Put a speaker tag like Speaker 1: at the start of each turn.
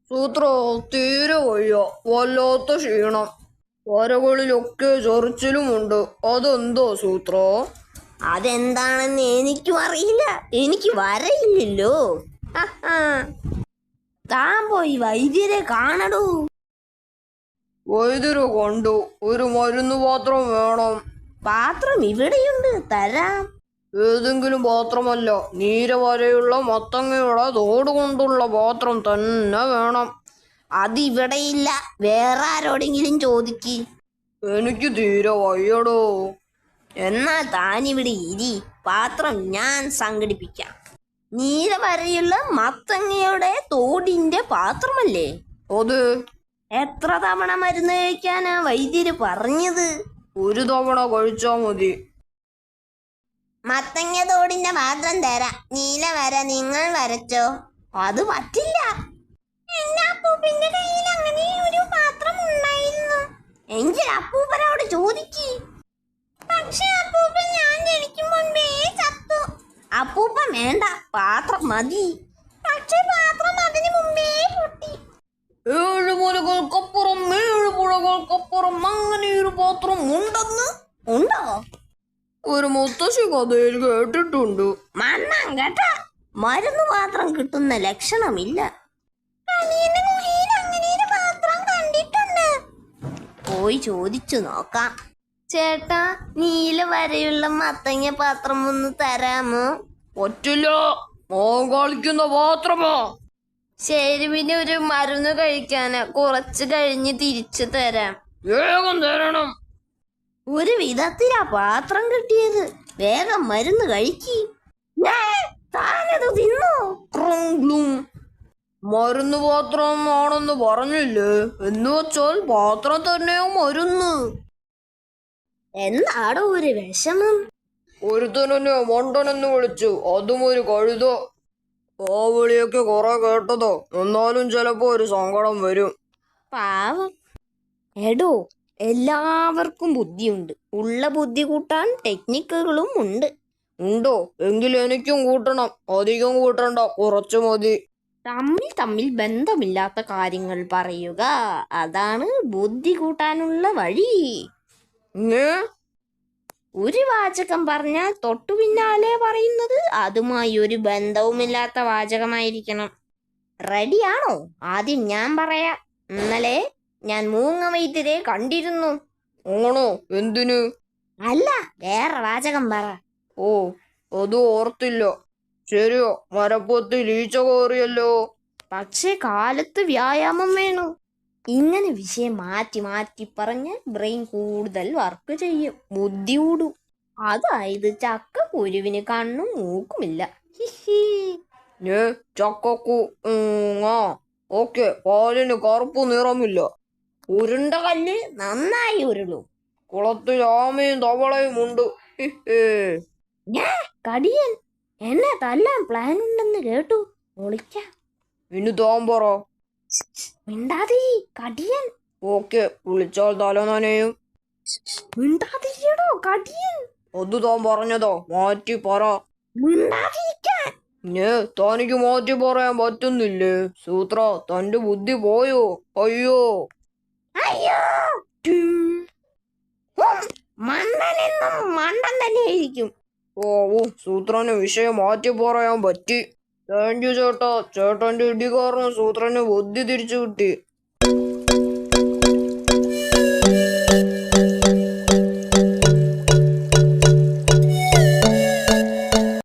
Speaker 1: സൂത്ര തീരെ വയ്യ, വല്ലാത്ത ക്ഷീണം. വരകളിലൊക്കെ ചൊറിച്ചിലുമുണ്ട്. അതെന്തോ സൂത്രോ?
Speaker 2: അതെന്താണെന്ന് എനിക്കും അറിയില്ല, എനിക്ക് വരയില്ലല്ലോ. താൻ പോയി വൈദ്യരെ കാണടൂ.
Speaker 1: വൈദ്യരെ കണ്ടു. ഒരു മരുന്ന് പാത്രം വേണം.
Speaker 2: പാത്രം ഇവിടെയുണ്ട്, തരാം.
Speaker 1: ഏതെങ്കിലും പാത്രമല്ല, നീരവരെയുള്ള മത്തങ്ങയുടെ തോട് കൊണ്ടുള്ള പാത്രം തന്നെ വേണം.
Speaker 2: അതിവിടെയില്ല, വേറെ ആരോടെങ്കിലും ചോദിക്ക്.
Speaker 1: എനിക്ക് തീരെ വയ്യടോ.
Speaker 2: എന്നാ താനിവിടെ ഇരി, പാത്രം ഞാൻ സംഘടിപ്പിക്കാം. നീല വരെയുള്ള മത്തങ്ങയുടെ തോടിന്റെ പാത്രമല്ലേ
Speaker 1: അത്?
Speaker 2: എത്ര തവണ മരുന്ന് കഴിക്കാനാ വൈദ്യര് പറഞ്ഞത്?
Speaker 1: ഒരു തവണ കഴിച്ചാ മതി.
Speaker 2: മത്തങ്ങ തോടിന്റെ പാത്രം തരാം. നീല വര നിങ്ങൾ വരച്ചോ. അത് പറ്റില്ല. എന്റെ അപ്പൂപ്പന്റെ കയ്യിൽ അങ്ങനെ ഒരു പാത്രം ഉണ്ടായിരുന്നു. എങ്കിൽ അപ്പൂപ്പനോട് ചോദിക്ക്. പക്ഷെ അപ്പൂപ്പൻ ഞാൻ ജനിക്കും മുൻപേ ചത്തു. അപ്പൂപ്പൻ വേണ്ട, പാത്രം മതി. പക്ഷെ പാത്രം അതിന് മുമ്പേ പൊട്ടി.
Speaker 1: 7 മുലകൾക്കപ്പുറം 7 പുഴകൾക്കപ്പുറം അങ്ങനെ ഒരു പാത്രം ഉണ്ടെന്ന്.
Speaker 2: ഉണ്ടോ?
Speaker 1: ഒരു മുത്തശ്ശി കഥയിൽ കേട്ടിട്ടുണ്ട്.
Speaker 2: മണ്ണാൻ കേട്ട, മരുന്ന് പാത്രം കിട്ടുന്ന ലക്ഷണമില്ല. പോയി ചോദിച്ചു നോക്കാം. ചേട്ടാ, നീല വരെയുള്ള മത്തങ്ങ പാത്രം ഒന്ന് തരാമോ?
Speaker 1: പറ്റില്ല, മോൻ കളിക്കുന്ന പാത്രമാ.
Speaker 2: ശരി, പിന്നെ ഒരു മരുന്ന് കഴിക്കാന് കുറച്ച് കഴിഞ്ഞ് തിരിച്ചു തരാം.
Speaker 1: വേഗം തരണം.
Speaker 2: ഒരു വിധത്തിലാ പാത്രം കിട്ടിയത്. വേഗം മരുന്ന് കഴിക്കി. താനത് തിന്നോ?
Speaker 1: മരുന്ന് പാത്രം ആണെന്ന് പറഞ്ഞില്ലേ? എന്ന് വെച്ചാൽ പാത്രം തന്നെയോ മരുന്ന്.
Speaker 2: എന്താടോ ഒരു വിഷമം?
Speaker 1: ഒരുത്തനെ മണ്ടനെന്ന് വിളിച്ചു, അതും ഒരു കഴുത. ആ വിളിയൊക്കെ കുറെ കേട്ടതോ. എന്നാലും ചിലപ്പോ ഒരു സങ്കടം വരും.
Speaker 2: പാവം. എടോ, എല്ലാവർക്കും ബുദ്ധിയുണ്ട്. ഉള്ള ബുദ്ധി കൂട്ടാൻ ടെക്നിക്കുകളും ഉണ്ട്.
Speaker 1: ഉണ്ടോ? എങ്കിൽ എനിക്കും കൂട്ടണം. അധികം കൂട്ടണ്ട, കുറച്ചു മതി.
Speaker 2: തമ്മിൽ ബന്ധമില്ലാത്ത കാര്യങ്ങൾ പറയുക, അതാണ് ബുദ്ധി കൂട്ടാനുള്ള വഴി. ഒരു വാചകം പറഞ്ഞാൽ തൊട്ടു പിന്നാലെ പറയുന്നത് അതുമായി ഒരു ബന്ധവുമില്ലാത്ത വാചകമായിരിക്കണം. റെഡിയാണോ? ആദ്യം ഞാൻ പറയാം. ഇന്നലെ ഞാൻ മൂങ്ങ വൈദ്യരെ കണ്ടിരുന്നു.
Speaker 1: ആണോ? എന്തിന്?
Speaker 2: അല്ല, വേറെ വാചകം പറ.
Speaker 1: ഓ, അത് ഓർത്തില്ല. ശരിയോ, മരപ്പൊത്തിൽ ഈച്ച കയറിയല്ലോ.
Speaker 2: പക്ഷെ കാലത്ത് വ്യായാമം വേണം. ഇങ്ങനെ വിഷയം മാറ്റി മാറ്റി പറഞ്ഞ് ബ്രെയിൻ കൂടുതൽ വർക്ക് ചെയ്യും, ബുദ്ധി കൂടും. അതായത് ചക്കക്കുരുവിന് കണ്ണും മൂക്കുമില്ല.
Speaker 1: ചക്കക്കു ഓക്കെ, പാലിന് കറുപ്പ് നിറമില്ല.
Speaker 2: ഉരുണ്ട കല്ല് നന്നായി ഉരുളും.
Speaker 1: കുളത്തിൽ ആമയും തവളയും ഉണ്ട്.
Speaker 2: കടിയൻ എന്നെ തല്ലാൻ പ്ലാൻ ഉണ്ടെന്ന് കേട്ടു. ഒളിക്കാം.
Speaker 1: ഇനി താൻ പറ.
Speaker 2: മിണ്ടാതി കടിയൻ.
Speaker 1: ഓക്കെ, വിളിച്ചാൽ തല നനയും.
Speaker 2: മിണ്ടാതിരിക്കടോ കടിയൻ.
Speaker 1: അത് താൻ പറഞ്ഞതോ, മാറ്റി പറ.
Speaker 2: മിണ്ടാതിരിക്കാൻ.
Speaker 1: തനിക്ക് മാറ്റി പറയാൻ പറ്റുന്നില്ലേ? സൂത്ര, തന്റെ ബുദ്ധി പോയോ? അയ്യോ
Speaker 2: അയ്യോ. മണ്ടനെന്നും മണ്ടൻ തന്നെയായിരിക്കും.
Speaker 1: ഓ, സൂത്രന് വിഷയം മാറ്റി പറയാൻ പറ്റി. താങ്ക് യു ചേട്ടാ. ചേട്ടന്റെ ഇടി കാരണം സൂത്രന് ബുദ്ധി തിരിച്ചു കിട്ടി.